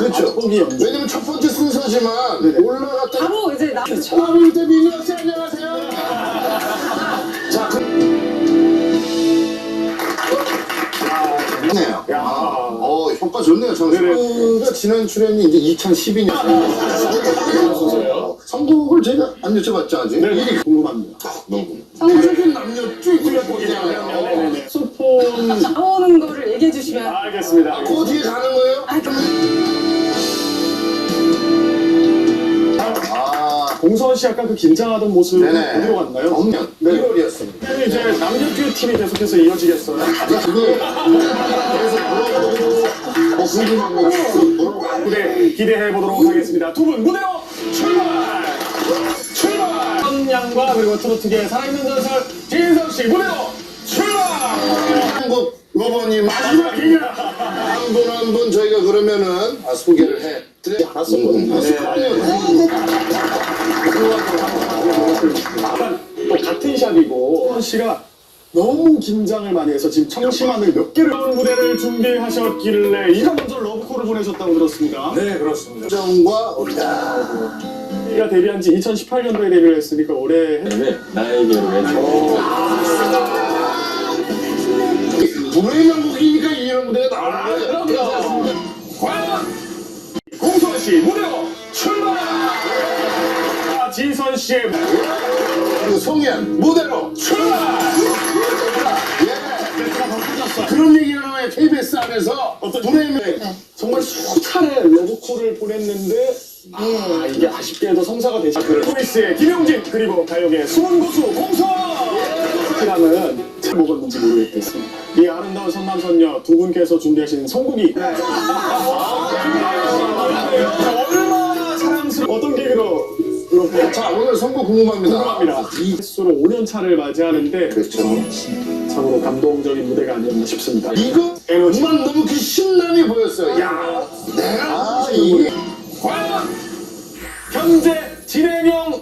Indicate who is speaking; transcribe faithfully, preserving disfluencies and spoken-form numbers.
Speaker 1: 그렇죠.
Speaker 2: 아, 초기 연주.
Speaker 1: 왜냐면 첫 번째 순서지만
Speaker 2: 네네.
Speaker 1: 올라갔다
Speaker 3: 바로 이제 나
Speaker 1: 처음일 때 민혁 씨 안녕하세요. 자, 그... 좋네요.
Speaker 2: 야.
Speaker 1: 아, 어, 효과 좋네요. 저는
Speaker 2: 네네.
Speaker 1: 그 지난 출연이 이제 이천십이 년. 어, 선곡을 제가 안 여쭤봤죠 아직.
Speaker 2: 네.
Speaker 1: 이게
Speaker 2: 궁금합니다.
Speaker 1: 너무 궁금해.
Speaker 3: 성공
Speaker 1: 남녀 쭉 굴려보기잖아요.
Speaker 2: 네네네. 소폰.
Speaker 3: 나오는 거를 얘기해 주시면
Speaker 2: 알겠습니다.
Speaker 1: 그 뒤에 가는 거예요?
Speaker 3: 아 그럼
Speaker 1: 아,
Speaker 2: 공선 씨 약간 그 긴장하던 모습
Speaker 1: 네네.
Speaker 2: 어디로 갔나요?
Speaker 1: 정년
Speaker 2: 네.
Speaker 1: 일월이었습니다.
Speaker 2: 그럼 이제 남녀 듀오 팀이 계속해서 이어지겠어요.
Speaker 1: 그거 계속 물어보고 뭐 궁금한 거 물어보고
Speaker 2: 무대 기대해 보도록 하겠습니다. 두 분 무대로 출발! 출발! 선양과 그리고 트로트계의 살아있는 전설 진성 씨 무대로 출발!
Speaker 1: 한국 로버님 마지막 기회 한 분 한 분 저희가 그러면은 아, 소개를 해 드려
Speaker 2: 알았었거든요.
Speaker 1: 음,
Speaker 2: 네.
Speaker 1: 아,
Speaker 2: 또 같은 샵이고 선 씨가 너무 긴장을 많이 해서 지금 청심환을 몇 개를 하는 무대를 준비하셨길래 이거 먼저 러브콜을 보내셨다고 들었습니다.
Speaker 4: 네, 그렇습니다.
Speaker 1: 정과 어리다
Speaker 2: 우리가 데뷔한 지 이천십팔 년도에 데뷔를 했으니까 올해 했-
Speaker 4: 네, 나에게로 해줘.
Speaker 1: 노래 명곡이니까 이런 무대가 나오는 거예요.
Speaker 2: 과연 공선 씨 무대로 출발! 아, 지선 씨의
Speaker 1: 그리고 송현 무대로
Speaker 2: 출발!
Speaker 1: 예.
Speaker 2: 멘트가 더 터졌어요.
Speaker 1: 그런 얘기가 나와요. 케이비에스 안에서
Speaker 2: 어떤
Speaker 1: 노래 명
Speaker 2: 정말 수차례 러브콜을 보냈는데 아 이게 아쉽게도 성사가 되지 않고 포이스의 김용진 그리고 가요계의 숨은 고수 공선! 시간은 잘 먹었는지 모르겠겠습니다. 이 아름다운 선남선녀 두 분께서 준비하신 선곡이 얼마나 사랑스러운 어떤 계기로 이렇게
Speaker 1: 자 오늘 선곡 궁금합니다.
Speaker 2: 궁금합니다. 이 횟수로 오 년 차를 맞이하는데
Speaker 1: 그렇죠.
Speaker 2: 참으로 감동적인 무대가 아니었나 싶습니다.
Speaker 1: 이거
Speaker 2: 에너지.
Speaker 1: 정말 너무 그 신남이 보였어요. 야 내가 아, 이게
Speaker 2: 과연 현재 진행형